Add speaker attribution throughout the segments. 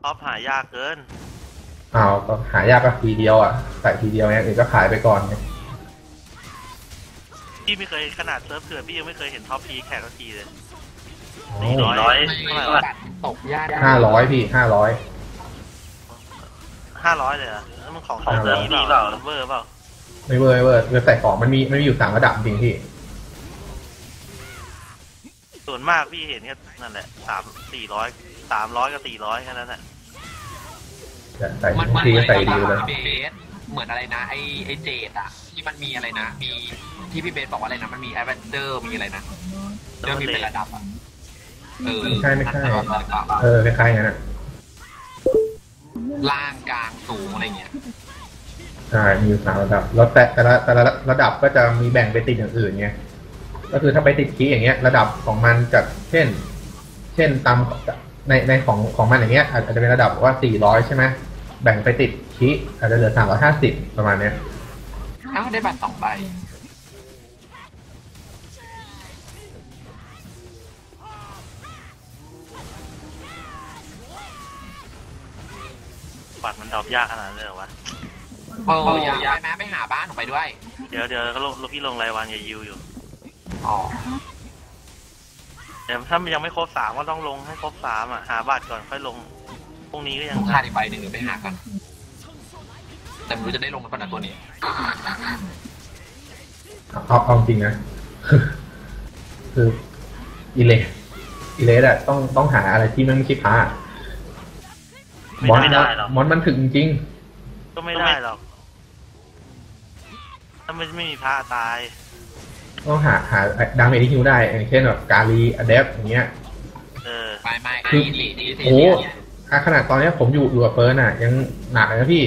Speaker 1: ท็อปหายากเกิน
Speaker 2: อ้าวก็หายากก็ทีเดียวอ่ะใส่ทีเดียวเนี่ยอื่นก็ขายไปก่อนไง
Speaker 1: พี่ไม่เคยขนาดเซิร์ฟเถื่อนพี่ยังไม่เคยเห็นท็อปพีแข่งสักทีเลย
Speaker 3: 400
Speaker 1: เท่าไหร่วะ
Speaker 3: ตกยาก
Speaker 2: 500พี่500
Speaker 1: 500เลยเหรอแล้วมันของเซิร์ฟนี้เปล่าเวอร์เปล่า
Speaker 2: ไม่เวอร์เวอร์ใส่ของมันมีอยู่3 ระดับจริงพี่
Speaker 1: ส่วนมากพี่เห็นแค่นั่นแหละ300กับ400แค่นั้นแหละ
Speaker 2: ใส่
Speaker 3: มัน
Speaker 2: ทีก็ใส่ดีเลย
Speaker 3: เบสเหมือนอะไรนะไอเจดอะที่มันมีอะไรนะมีที่พี่เบสบอกว่าอะไรนะมันมีแอดเวนเจอร์มีอะไรนะเริ่มมีเป็นระดับอะ
Speaker 2: ไม่ใช่คล้ายๆงั้นอ่ะ
Speaker 3: ล่างกลางสูงอะไรเงี้ย
Speaker 2: ใช่มีอยู่3 ระดับแล้วแต่ละระดับก็จะมีแบ่งไปติดอย่างอื่นไงก็คือถ้าไปติดคีย์อย่างเงี้ยระดับของมันจะเช่นตามในของมันอย่างเงี้ยอาจจะเป็นระดับว่า400ใช่ไหมแบ่งไปติดคีย์อาจจะเหลือ350ประมาณเนี้ย
Speaker 3: อ้าวได้บัตร2 ใบ
Speaker 1: บัตรมันดรอปยากขนาดนั้นเลยเหรอวะ
Speaker 3: อยากไปไหมไปหาบ้านออกไปด้วย
Speaker 1: เดี๋ยวก็ลงพี่ลงรายวันอย่ายิวอยู่
Speaker 3: อ๋อ
Speaker 1: เดี๋ยวถ้ามันยังไม่ครบ3ก็ต้องลงให้ครบ3อ่ะหาบัตรก่อนค่อยลงพรุ่งนี้ก็ยัง
Speaker 3: ขาดอีกใบหนึ่งเดี๋ยวไปหากันแต่ไม่รู้จะได้ลงกันนะตัวนี้
Speaker 2: เอาจริงนะคืออีเลสอะต้องหาอะไรที่มันไม่ใช่พระ
Speaker 1: ไม่ได้หรอก
Speaker 2: มอนมันถึงจริง
Speaker 1: ก็ไม่ได้หรอกถ้าไม่มีพระตาย
Speaker 2: ต้องหาดาเมจที่ฮิวได้อย่างเช่นแบบกาลีอะเดฟอย่างเงี้ย
Speaker 3: ไม่
Speaker 2: คือโอ้ขนาดตอนนี้ผมอยู่กับเฟิร์นอ่ะยังหนักเลยนะพี่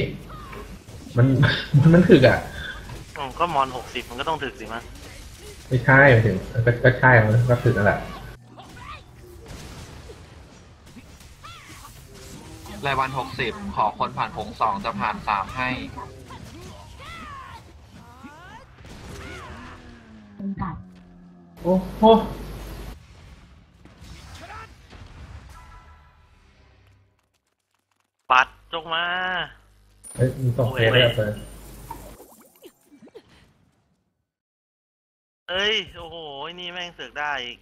Speaker 2: มันถึกอ่ะ
Speaker 1: ก็มอน60มันก็ต้องถึกสิมั้ย
Speaker 2: ไม่ใช่ถึงก็ใช่มันก็ถึกนั่นแหละ
Speaker 3: รายวัน60ขอคนผ่านผง2จะผ่าน3ให้
Speaker 2: โอ้โห
Speaker 1: ปัดจงมา
Speaker 2: มีส่งเฟซได้เฟิร์น
Speaker 1: เอ้ยโอ้โหนี่แม่งเสือกได้อีก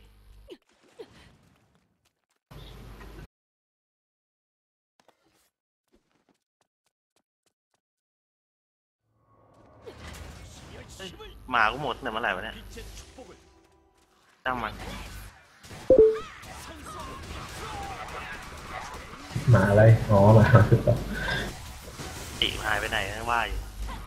Speaker 1: หมากูหมดแต่เมื่อไหร่วะเนี่ยตั้งมัน
Speaker 2: หมาอะไรอ๋อหมาคือต่อ
Speaker 1: ติหายไปไหนว่าอยู่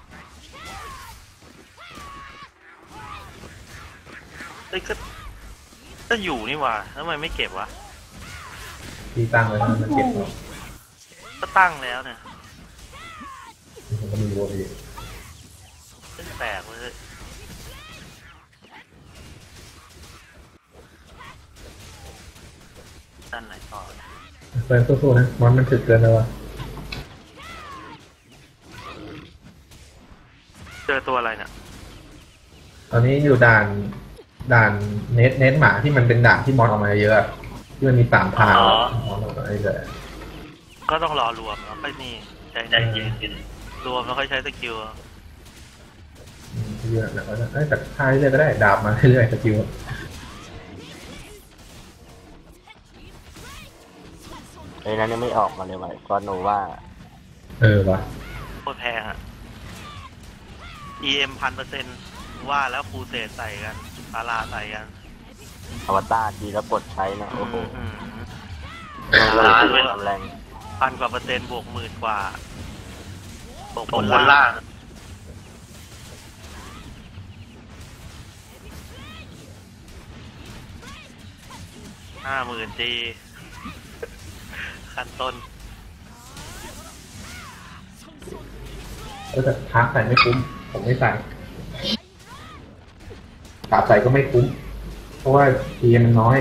Speaker 1: เอ้ยก็อยู่นี่ว่าแล้วทำไมไม่เก็บวะ
Speaker 2: ที่ตั้งไว้มันเก็บหรอ
Speaker 1: ก็ตั้งแล้วเนี่ย
Speaker 2: ผมก็มีโวดี
Speaker 1: แปลกเลยด้านไหนต่อ
Speaker 2: เฟิร์นสู้ๆนะมอนมันถึกเกินแล้ววะ
Speaker 1: เจอตัวอะไรเนี่ย
Speaker 2: ตอนนี้อยู่ด่านเน็ตหมาที่มันเป็นด่านที่มอนออกมาเยอะที่มันมี3 ทางมอนออกมาเยอะ
Speaker 1: ก็ต้องรอรวมแล้วค่อยนี่ใจเย็นรวมแล้วค่อยใช้สกิล
Speaker 2: เยอะนะแต่ท้ายเรื่อยก็ได้ดาบมาเรื่อยสกิล
Speaker 4: นั้นยังไม่ออกมาเลยว่ะก็โนว่า
Speaker 2: วะ
Speaker 1: โคตรแพงอ่ะ EM 1,000%ว่าแล้วฟูเซตใส่กันพาราใส่กัน
Speaker 4: อวตารทีแล้วกดใช้นะโอ้โหแรง
Speaker 1: 1,000 กว่า%บวก10,000 กว่าบวกบนล่าง50,000 จีขั้นต้น
Speaker 2: แต่ท้าใส่ไม่คุ้มผมไม่ใส่ดาบใส่ก็ไม่คุ้มเพราะว่าทีมันน้อย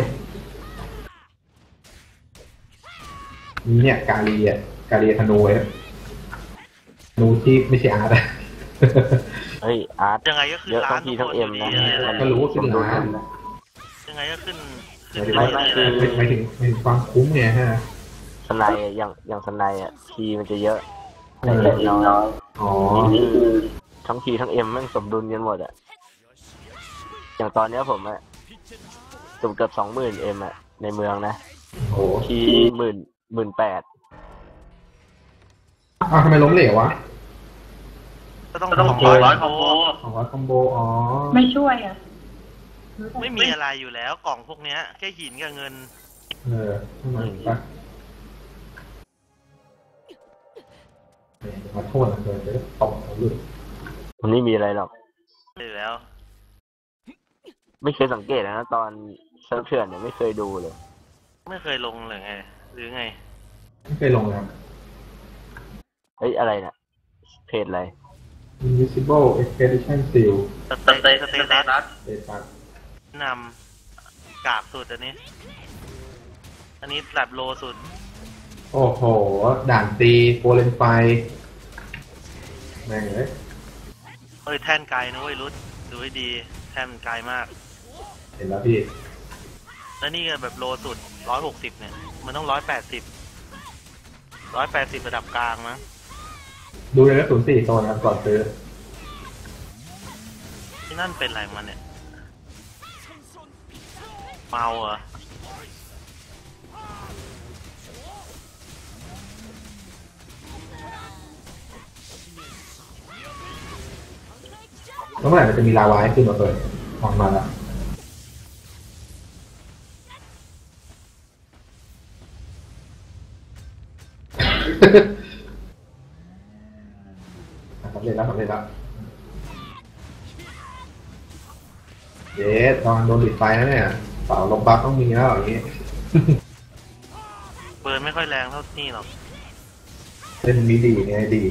Speaker 2: นี่เนี่ยกาลีธนูธนูที่ไม่ใช่อาร์ต
Speaker 4: เฮ้ยอาร์ต
Speaker 1: ยังไงก็ขึ้นล้าน
Speaker 4: ทั้งเอ็มนะ
Speaker 2: ก็รู้ว่าขึ้นล้าน
Speaker 1: ยังไงก็ขึ้น
Speaker 2: ไม่ถึงความคุ้มไงฮะ
Speaker 4: สไนด์อย่างสไนด์ทีมันจะเยอะแต่เอ็มน้อย
Speaker 2: อ๋อ
Speaker 4: นี่คือทั้งทีทั้งเอ็มแม่งสมดุลกันหมดอย่างตอนเนี้ยผมเกือบ20,000เอ็มในเมืองนะ
Speaker 2: โอ้
Speaker 4: ที18,000
Speaker 2: อ้าวทำไมล้มเหลววะ
Speaker 1: ก็ต้อง200คอมโบ
Speaker 2: 200คอมโบอ๋อ
Speaker 5: ไม่ช่วยอ่ะ
Speaker 1: ไม่มีอะไรอยู่แล้วกล่องพวกเนี้ยแค่หินกับเงิน
Speaker 2: ทำไมปะขอโทษนะเดี๋ยวจะตบเขาเลย
Speaker 4: มันไม่มีอะไรหรอก
Speaker 1: อยู่แล้ว
Speaker 4: ไม่เคยสังเกตนะตอนเซิร์ฟเถื่อนเนี่ยไม่เคยดูเลย
Speaker 1: ไม่เคยลงเลยไงหรือไง
Speaker 2: ไม่เคยลงแล้ว
Speaker 4: เฮ้ยอะไรเนี่ยเพจอะไร
Speaker 2: Invisible Expedition Seal
Speaker 1: สเตตัส
Speaker 2: เดตัส
Speaker 1: นำกากสุดอันนี้แบบโลสุด
Speaker 2: โอ้โห ด่านตีโปรเลนไฟแม่งเลย
Speaker 1: เฮ้ยแท่นไกลนะเว้ยรุดดูให้ดีแท่นมันไกลมาก
Speaker 2: เห็นแล้วพี่
Speaker 1: แล้วนี่ก็แบบโลสุด160เนี่ยมันต้อง180ระดับกลางนะ
Speaker 2: ดูเลยนะ04โซนนะครับก่อนซื้อ
Speaker 1: ที่นั่นเป็นอะไรมันเนี่ยเมาเหรอ
Speaker 2: แล้วเมื่อไหร่มันจะมีลาวาให้ขึ้นมาเปิดออกมาแล้ว สำเร็จแล้วเย้ตอนโดนปิดไฟนะเนี่ยเป่าลมบัฟต้องมีแล้วอย่างนี้
Speaker 1: เบิร์นไม่ค่อยแรงเท่านี่หรอก
Speaker 2: เล่นมีดีไงดี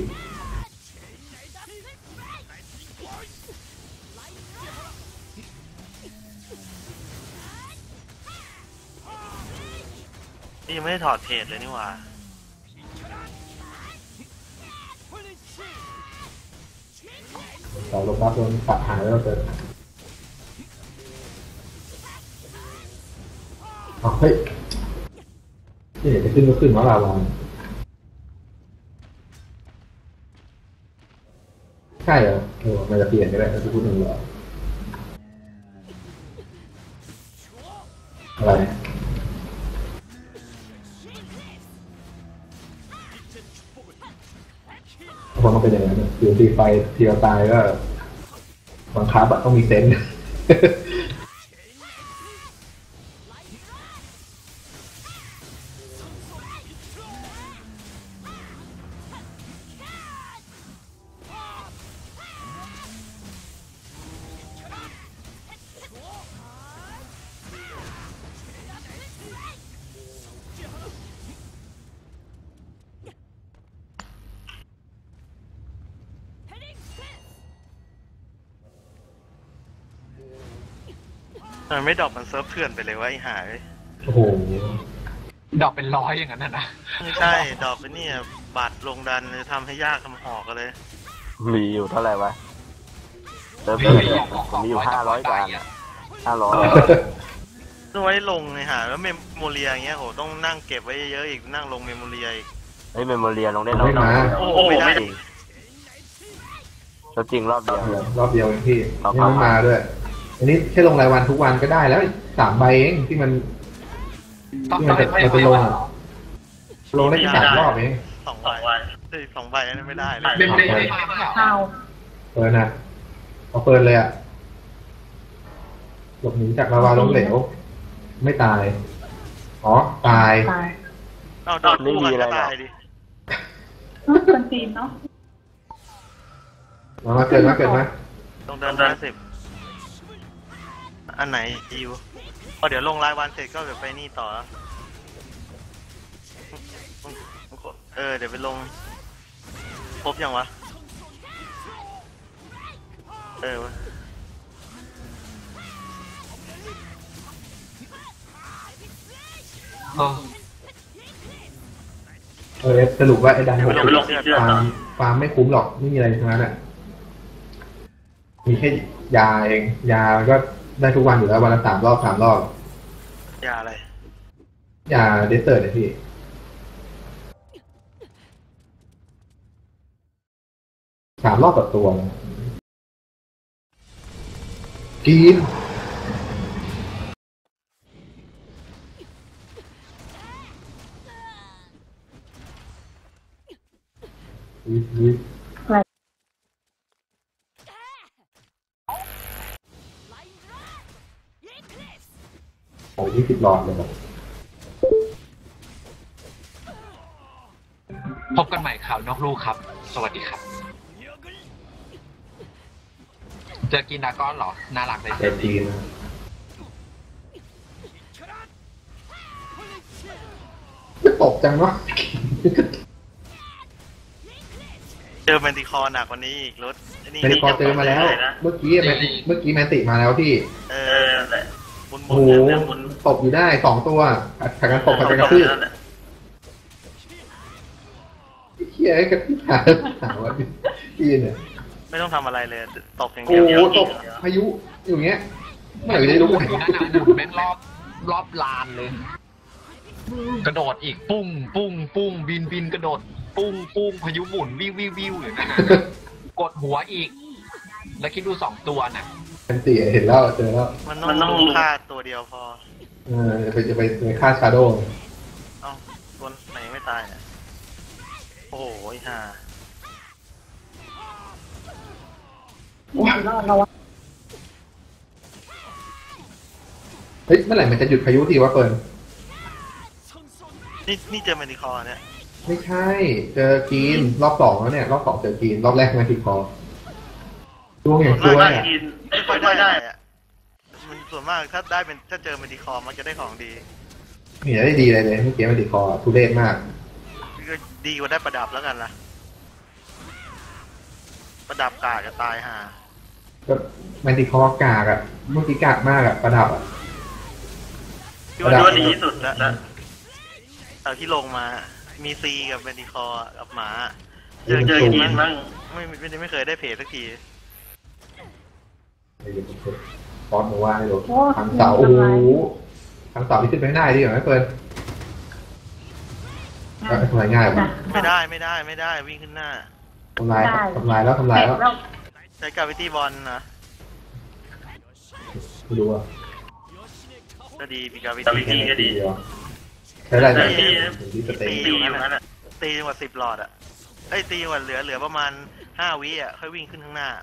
Speaker 1: นี่ยังไม่ได้ถอดเพจเลยนี่หว่า
Speaker 2: เป่าลมบัฟโดนตัดหายแล้วเกิดอ๋อเฮ้ยที่เห็นจะขึ้นก็ขึ้นมาลาวาใช่เหรอมันจะเปลี่ยนก็ได้ถ้าพูดถึงเหรออะไรพอมันเป็นอย่างนั้นอยู่ตีไฟทีเราตายก็บังคับอะต้องมีเซนส์
Speaker 1: มันไม่ดรอปมันเซิร์ฟเถื่อนไปเลยวะไอ้หาย
Speaker 2: โอ้โห
Speaker 3: ดอกเป็นร้อยอย่างนั้นนะ
Speaker 1: ไม่ใช่ดรอปไปเนี่ยบัตรลงดันเลยทำให้ยากทำหอกกันเลย
Speaker 4: มีอยู่เท่าไหร่วะเซิร์ฟเถื่อนเนี่ยผมมีอยู่500 กว่าอัน500
Speaker 1: ต้องไว้ลงเลยหาแล้วเมมโมเรียอย่างเงี้ยโหต้องนั่งเก็บไว้เยอะๆอีกนั่งลงเมมโมเรียอีก
Speaker 4: เฮ้ยเมมโมเรียลงได้น้อย
Speaker 2: ไม่มา
Speaker 1: โอ้โหไม่ได้
Speaker 4: แล้วจริงรอบเดียว
Speaker 2: รอบเดียวเองพี่
Speaker 4: ต่อ
Speaker 2: ยังไม่มาด้วย อันนี้แค่ลงรายวันทุกวันก็ได้แล้ว3 ใบเองที่มันจะลงอะลงได้แค่3 รอบเอง
Speaker 1: 2 ใบ2 ใบนั้นไม่ได้เลย
Speaker 5: เอา
Speaker 2: เปิดนะเอาเปิดเลยอะหลบหนีจากลาวาล้มเหลว ไม่ตาย อ๋อ ตาย
Speaker 5: ตาย
Speaker 1: เอาโดนคู่กันก็ตายดิ
Speaker 5: คนจีนเนาะ
Speaker 2: มาเกิดมา
Speaker 1: ต้องเดิน50อันไหนอิวพอเดี๋ยวลงรายวันเสร็จก็เดี๋ยวไปนี่ต่อเดี๋ยวไปลงครบยังวะวะ
Speaker 2: สรุปว่าไอ้ดัน
Speaker 1: เดี๋ยวไปลงที่เชือกต่อ
Speaker 2: ฟาร์มไม่คุ้มหรอกไม่มีอะไรทั้งนั้นอ่ะมีแค่ยาเองยาก็ได้ทุกวันอยู่แล้ววันละ3 รอบ
Speaker 1: ยาอะไร
Speaker 2: ยาเดสเตอร์เนี่ยพี่ 3 รอบต่อตัวนะกินอุ๊ยโอ้ย20 หลอดเลยแบบ
Speaker 3: พบกันใหม่ข่าวนอกลูกครับ สวัสดีครับ เจอกินดราก้อนเหรอ น่ารักเลย
Speaker 2: เต็มทีนะไม่ตกจังเนาะ
Speaker 1: เจอแมนติคอร์หนักกว่านี้อีกรถไอ้นี่
Speaker 2: เมดิคอร์เจอมาแล้ว เมื่อกี้แมนติมาแล้วที่
Speaker 1: เออบุญ
Speaker 2: โอ้โหตบอยู่ได้2 ตัวผัดกันตบผัดกันกระทืบเฮียกระทืบหาว่าพี่เนี่ย
Speaker 1: ไม่ต้องทำอะไรเลยตกอย่าง
Speaker 2: โอ้
Speaker 1: เดียว
Speaker 2: โหตกพายุอย่างเงี้ยเมื่อไหร่จะได้รู้
Speaker 3: หมุ
Speaker 2: ไห
Speaker 3: น
Speaker 2: น
Speaker 3: อยู่นั่นน่ะหมุนแม่งรอบลานเลย กระโดดอีกปุ้งปุ้งปุ้งบินกระโดดปุ้งปุ้งพายุหมุนวิวอยู่นั่นน่ะกดหัวอีก แล้วคิดดู2 ตัวน่ะ
Speaker 2: แมนติเห็นแล้วเจอแล้ว
Speaker 1: มันต้องฆ่าตัวเดียวพอ
Speaker 2: จะไปฆ่าชาโดว์
Speaker 1: เอ้าตัวไหนไม่ตายอ่ะโอ้โหห่า
Speaker 5: รอดแล้ววะ
Speaker 2: เฮ้ยเมื่อไหร่มันจะหยุดพายุทีวะเฟิร์น
Speaker 1: นี่เจอแมนติคอร์เนี่ย
Speaker 2: ไม่ใช่เจอกีนรอบ 2แล้วเนี่ยรอบ 2เจอกีนรอบแรกแมนติคอร์ช่วงอย่างช่วย
Speaker 1: ไม่
Speaker 2: อ่ะ
Speaker 1: ไม่ค่อยได้อะมันส่วนมากถ้าได้เป็นถ้าเจอแมนติคอร์มันจะได้ของดี
Speaker 2: ไม่เห็นได้ดีเลยเมื่อกี้แมนติคอร์ทุเรศมาก
Speaker 1: ก็ดีกว่าได้ประดับแล้วกันล่ะ ประดับกากจะตายห่า
Speaker 2: ก็แมนติคอร์กากอ่ะเมื่อกี้กากมากอ่ะประดับอ่ะ
Speaker 1: ที่ว่าดีที่สุดแล้วเอาที่ลงมา มีซีกับแมนติคอร์กับหมา เจอกินมั่งไม่เคยได้เพจสักที
Speaker 2: ฟอสโนวาให้ดูทางเสาโอ้โหทางเสาที่ขึ้นไปได้ดีกว่าไหมเฟิร์นทำลายง่ายป่ะ
Speaker 1: ไม่ได้วิ่งขึ้นหน้า
Speaker 2: ทำลายแล้ว
Speaker 5: แตกแล้ว
Speaker 1: ใช้กาวิตี้บอลนะ
Speaker 2: ไม่รู้อ่ะ
Speaker 1: ก็ดีมีกาวิตี้ก็ดี
Speaker 2: ใช้ได้ไหม
Speaker 1: ตี
Speaker 2: ที่สเต
Speaker 1: ตี
Speaker 2: ย์
Speaker 1: อยู่นั่นแหละตีกว่า10 หลอดอ่ะไอ้ตีกว่าเหลือประมาณ5 วิอ่ะค่อยวิ่งขึ้นข้างหน้า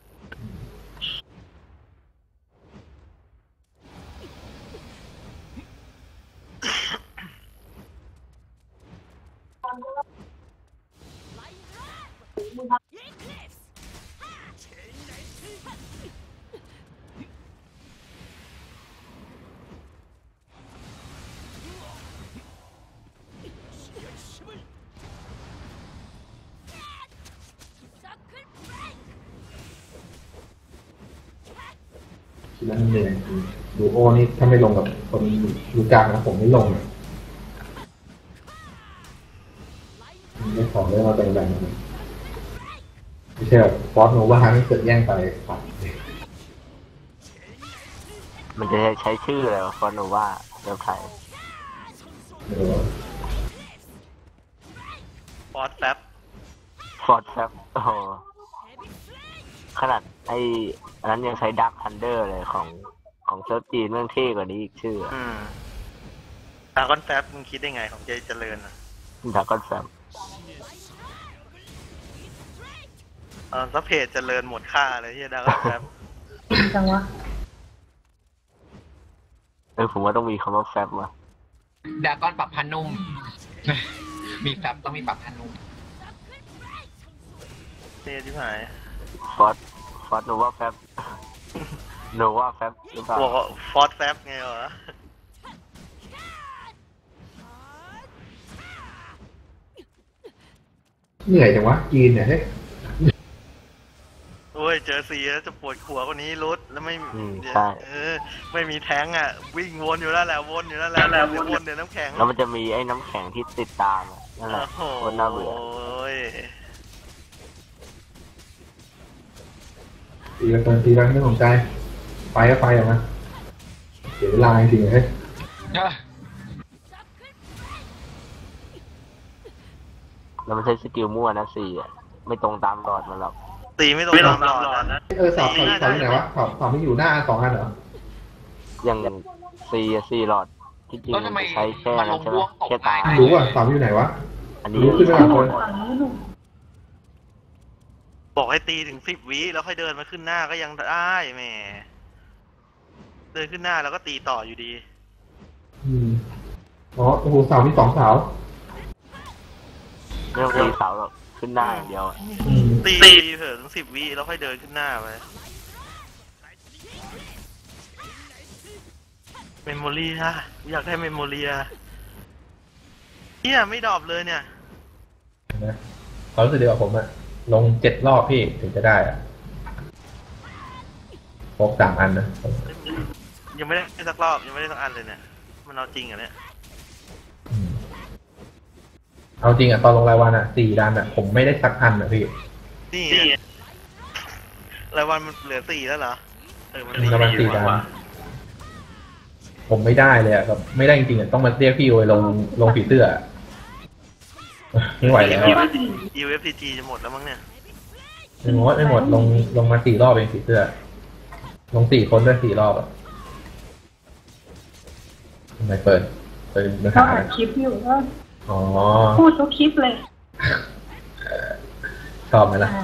Speaker 2: คิดแล้วเหนื่อยดูโอนี่ถ้าไม่ลงกับคนดูกลางนะผมไม่ลงไม่ขอเรื่องเราแบ่งๆกันไม่ใช่แบบฟอสโนวาไม่เกิดแย่งไปปัด
Speaker 4: มันจะใช้ชื่ออะไรวะฟอนโนวาเว็บไทย
Speaker 1: ฟอสแฟบ
Speaker 4: ฟอร์ดแฟบโอ้โหขนาดอันนั้นยังใช้ดักทันเดอร์เลยของเซิร์ฟจีนเรื่องเท่กว่านี้อีกชื่อ
Speaker 1: ดากอนแฟบมึงคิดได้ไงของเจเจริญอ่ะ
Speaker 4: ดักก็แฟบ
Speaker 1: ถ้าเพจเจริญหมดค่าเลยที่ดากอนแฟบ
Speaker 5: จังวะ
Speaker 4: ผมว่าต้องมีคำว่าแฟบมา
Speaker 3: ดราก้อนปรับพันนุ่ม มีแฟบต้องมีปรับพันนุ่ม
Speaker 1: เท่ที่หาย
Speaker 4: ฟอร์ดโนวาแฟบโนวาแฟบหรือเปล่า
Speaker 1: บอกว่าฟอสแฟบไงวะ
Speaker 2: เหนื่อยจังวะจีนเนี่ยเฮ้ย
Speaker 1: โอ้ยเจอซีแล้วจะปวดหัวกว่านี้รุดแล้วไม่
Speaker 4: ใช่
Speaker 1: ไม่มีแท้งอ่ะ วิ่งวนอยู่นั่นแหละวนอยู่นั่นแหละเดี๋ยววนเดี๋ยวน้ำแข็ง
Speaker 4: แล้วมันจะมีไอ้น้ำแข็งที่ติดตามอะนั่นแหละ
Speaker 1: โอ้โห
Speaker 4: คนน่าเบื่อ
Speaker 2: ตีกันตีกันไม่สนใจไปก็ไปออกมาเสียเวลาจริงๆเฮ้ย
Speaker 4: แล้วมันใช้สกิลมั่วนะ4อ่ะไม่ตรงตามหลอดมันหรอก
Speaker 1: ตีไม่ลงตามหลอดนะ
Speaker 2: เสาอยู่ไหนวะเสาไม่อยู่หน้า2 อันเหรอ
Speaker 4: อย่างซีหลอดที่จริง
Speaker 3: แล้วทำไม
Speaker 4: ใช้แค่
Speaker 3: มันล
Speaker 4: นั้น
Speaker 3: ง
Speaker 4: ใช่ไหม
Speaker 3: ร่วงตก
Speaker 4: แค่ตาย
Speaker 3: ตาย
Speaker 2: รู้อ่ะเสาอยู่ไหนวะ
Speaker 4: อันนี้
Speaker 2: รู้ขึ้นมาก่อน
Speaker 5: ฝั่งนู้นหนู
Speaker 1: บอกให้ตีถึง10 วิแล้วค่อยเดินมาขึ้นหน้าก็ยังได้แหมเดินขึ้นหน้าแล้วก็ตีต่ออยู่ดี
Speaker 2: อ๋อโอ้โหเสามี2 เสา
Speaker 4: ไม่ต้องตีเสาหรอกขึ้นหน้าอย่างเดียวอะ
Speaker 1: ตีเถอะถึง10 วิแล้วค่อยเดินขึ้นหน้าไปเมมโมรี่ฮะอยากได้เมมโมรี่อะเนี่ยไม่ดรอปเลยเนี่ย
Speaker 2: นะเขารู้สึกดีกว่าผมอะลง7 รอบพี่ถึงจะได้อะครบ3 อันนะ
Speaker 1: ยังไม่ได้สักรอบยังไม่ได้สักอันเลยเนี่ยมันเอาจริงเหรอเนี่ย
Speaker 2: เอาจริงอะตอนลงรายวันอะ4 ดันอะผมไม่ได้สักอันอะพี่
Speaker 1: นี่ไงรายวันมันเหลือ4แล้วเหรอมัน
Speaker 2: รายวัน4 ดันผมไม่ได้เลยอะแบบไม่ได้จริงๆอะต้องมาเรียกพี่โอลงผีเสื้ออะไม่ไหวแล้วอะ
Speaker 1: UFCG จะหมดแล้วมั้งเนี่ย
Speaker 2: ไม่หมดลงมา4 รอบเองผีเสื้อ ลง4 คนด้วย4 รอบอะทำไมเปิดเนื้อ
Speaker 5: เขา
Speaker 2: หา
Speaker 5: อัดคลิปอยู่ก็
Speaker 2: อ๋อ
Speaker 5: พูดทุกคลิปเลย
Speaker 2: ชอบไหมล่ะ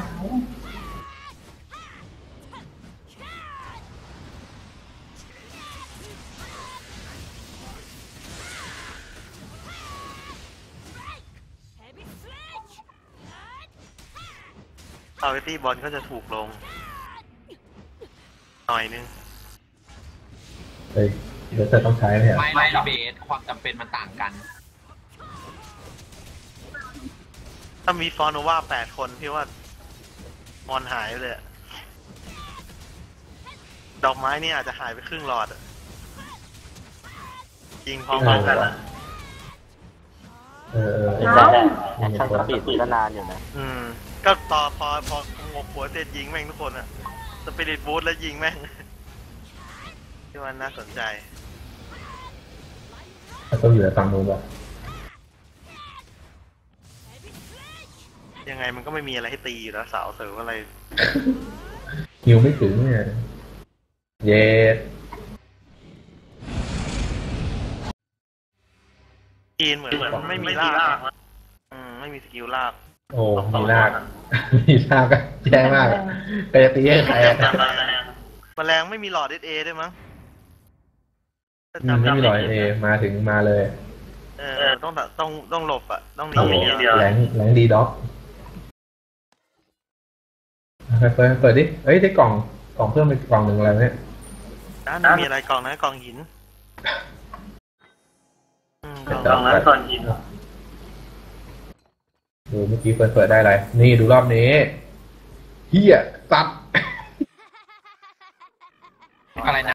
Speaker 1: เอาไอ้ตี้บอลก็จะถูกลงหน่อยนึง
Speaker 2: เฮ้ยเดี๋ยวเธอต้องใช้ไหมอะ
Speaker 3: ไม่ดีเบตความจำเป็นมันต่างกัน
Speaker 1: ถ้ามีฟอนโนวา8 คนพี่ว่ามอนหายไปเลยอะดอกไม้นี่อาจจะหายไปครึ่งหลอดอะจริงพร้อมกันอะ
Speaker 2: เออ
Speaker 4: แอคชั่นสปีดก็นานอยู่นะ
Speaker 1: ก็ต่อพองกหัวเสร็จยิงแม่งทุกคนอะสปิริตบูทแล้วยิงแม่ง ที่มันน่าสนใจ
Speaker 2: ต้องอยู่ในฝั่งนู้นป่ะ
Speaker 1: ยังไงมันก็ไม่มีอะไรให้ตีอยู่แล้วสาวเสริมอะไร
Speaker 2: ฮิวไม่ถึงเนี่ยเย็ด
Speaker 1: จีนเหมือนมันไม่มีลาก ไม่มีสกิลลาก
Speaker 2: โอ้มีลาก มีลากก็แย่มากอะใครจะตีให้ใครอะ
Speaker 1: แมลงไม่มีหลอดเอด้วยมั้ง
Speaker 2: ไม่มีรอยเอมาถึงมาเลย
Speaker 1: ต้องหลบอ่ะ ต้องหนีอย่างเดียว
Speaker 2: แรงดีด็อกเปิดดิเอ้ยได้กล่องเพิ่มเป็นกล่องหนึ่งอะไรเนี่ย
Speaker 1: นะมีอะไรกล่องนะกล่องหินกล่อง
Speaker 2: นั้นก่อนหินดูเมื่อกี้เปิดได้อะไรนี่ดูรอบนี้เฮียสัตว์
Speaker 3: อะไรนะ